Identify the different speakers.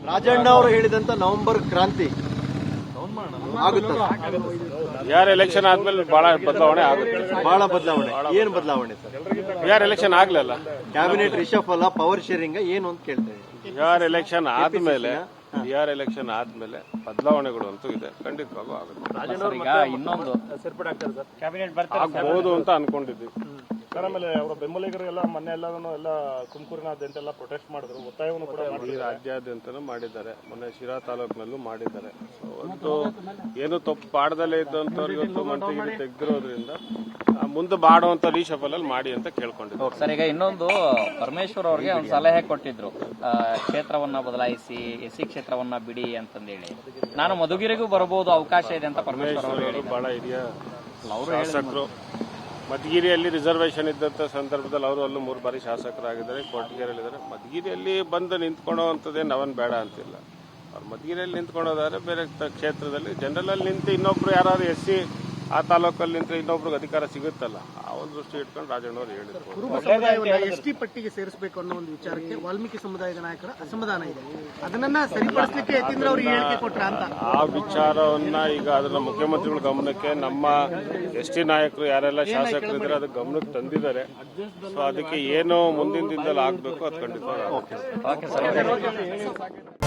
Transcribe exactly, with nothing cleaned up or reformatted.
Speaker 1: ರಾಜಣ್ಣ ಅವರು ಹೇಳಿದಂತ ನವೆಂಬರ್ ಕ್ರಾಂತಿ
Speaker 2: ಯಾರ ಎಲೆಕ್ಷನ್ ಆದ್ಮೇಲೆ ಬಹಳ ಬದಲಾವಣೆ ಆಗುತ್ತೆ.
Speaker 1: ಬಹಳ ಬದಲಾವಣೆ. ಏನ್ ಬದಲಾವಣೆ ಸರ್?
Speaker 2: ಯಾರ ಎಲೆಕ್ಷನ್ ಆಗ್ಲಿಲ್ಲ,
Speaker 1: ಕ್ಯಾಬಿನೆಟ್ ರಿಷಫಲ್ ಪವರ್ ಶೇರಿಂಗ್ ಏನು ಅಂತ ಕೇಳ್ತೇವೆ.
Speaker 2: ಯಾರ ಎಲೆಕ್ಷನ್ ಆದ್ಮೇಲೆ ಯಾರ ಎಲೆಕ್ಷನ್ ಆದ್ಮೇಲೆ ಬದಲಾವಣೆಗಳು ಅಂತೂ ಇದೆ, ಖಂಡಿತವಾಗೂ ಆಗುತ್ತೆ.
Speaker 3: ಇನ್ನೊಂದು
Speaker 2: ಆಗ್ಬಹುದು ಅಂತ ಅನ್ಕೊಂಡಿದ್ವಿ.
Speaker 4: ಸರ್, ಆಮೇಲೆ ಅವರ ಬೆಂಬಲಿಗರೆಲ್ಲ ಮೊನ್ನೆ ಎಲ್ಲಾನು ಎಲ್ಲ ತುಮಕೂರಿನಾದ್ಯಂತ ಎಲ್ಲ ಪ್ರೊಟೆಸ್ಟ್ ಮಾಡಿದ್ರು, ಒತ್ತಾಯವನ್ನು ಕೂಡ
Speaker 2: ಈ ರಾಜ್ಯಾದ್ಯಂತನೂ ಮಾಡಿದ್ದಾರೆ, ಮೊನ್ನೆ ಶಿರಾ ತಾಲೂಕಿನಲ್ಲೂ ಮಾಡಿದ್ದಾರೆ. ಒಂದು ಏನು ತಪ್ಪು ಪಾಡದಲ್ಲೇ ಇದ್ದಂಥವ್ರು ಇವತ್ತು ಮಂತ್ರಿಗಿರಿ ತೆಗೆದಿರೋದ್ರಿಂದ ಮುಂದೆ ಮಾಡುವಂತ ರೀಶಫಲ್ ಅಲ್ಲಿ ಮಾಡಿ ಅಂತ ಕೇಳ್ಕೊಂಡಿದ್ರು.
Speaker 3: ಸರ್, ಈಗ ಇನ್ನೊಂದು ಪರಮೇಶ್ವರ್ ಅವ್ರಿಗೆ ಒಂದು ಸಲಹೆ ಕೊಟ್ಟಿದ್ರು, ಕ್ಷೇತ್ರವನ್ನ ಬದಲಾಯಿಸಿ ಎಸ್ ಸಿ ಕ್ಷೇತ್ರವನ್ನ ಬಿಡಿ ಅಂತಂದೇಳಿ. ನಾನು ಮಧುಗಿರಿಗೂ ಬರಬಹುದು, ಅವಕಾಶ ಇದೆ ಅಂತ ಪರಮೇಶ್ವರ್ ಅವರು
Speaker 2: ಬಹಳ ಹಿರಿಯ ಶಾಸಕರು. ಮಧುಗಿರಿಯಲ್ಲಿ ರಿಸರ್ವೇಶನ್ ಇದ್ದಂಥ ಸಂದರ್ಭದಲ್ಲಿ ಅವರು ಅಲ್ಲೂ ಮೂರು ಬಾರಿ ಶಾಸಕರಾಗಿದ್ದಾರೆ, ಕೊರಟಗೆರೆಯಲ್ಲಿದ್ದಾರೆ. ಮಧುಗಿರಿಯಲ್ಲಿ ಬಂದು ನಿಂತ್ಕೊಳ್ಳೋವಂಥದ್ದೇ ನಾವನ್ ಬೇಡ ಅಂತಿಲ್ಲ. ಅವ್ರು ಮಧುಗಿರಿಯಲ್ಲಿ ನಿಂತ್ಕೊಳ್ಳೋದಾದ್ರೆ ಬೇರೆ ಕ್ಷೇತ್ರದಲ್ಲಿ ಜನರಲ್ ಅಲ್ಲಿ ನಿಂತು ಇನ್ನೊಬ್ರು ಯಾರು ಎಸ್ ಸಿ ಆ ತಾಲೂಕಲ್ಲಿ ನಿಂತು ಇನ್ನೊಬ್ರಿಗೆ ಅಧಿಕಾರ ಸಿಗುತ್ತಲ್ಲ, ಆ ಒಂದು ದೃಷ್ಟಿ ಇಟ್ಕೊಂಡು ರಾಜಣ್ಣವ್ರು ಹೇಳಿದ್ರು.
Speaker 5: ಕುರುಬ ಸಮುದಾಯವನ್ನು ಎಸ್ ಟಿ ಪಟ್ಟಿಗೆ ಸೇರಿಸಬೇಕು ಅನ್ನೋ ಒಂದು ವಿಚಾರಕ್ಕೆ ವಾಲ್ಮೀಕಿ ಸಮುದಾಯದ ನಾಯಕರ ಅಸಮಾಧಾನ ಇದೆ. ಅದನ್ನ ಸರಿಪಡಿಸಲಿಕ್ಕೆ ಯತೀಂದ್ರ ಅವರಿಗೆ ಹೇಳಿಕೆ ಕೊಟ್ರ ಅಂತ
Speaker 2: ಆ ವಿಚಾರವನ್ನ ಈಗ ಅದನ್ನ ಮುಖ್ಯಮಂತ್ರಿಗಳ ಗಮನಕ್ಕೆ ನಮ್ಮ ಎಸ್ ಟಿ ನಾಯಕರು ಯಾರೆಲ್ಲ ಶಾಸಕರು ಇದ್ದಾರೆ ಅದಕ್ಕೆ ಗಮನಕ್ಕೆ ತಂದಿದ್ದಾರೆ. ಸೊ ಅದಕ್ಕೆ ಏನು ಮುಂದಿನ ದಿನದಲ್ಲಿ ಆಗ್ಬೇಕು ಅದು ಖಂಡಿತವಾಗಿ.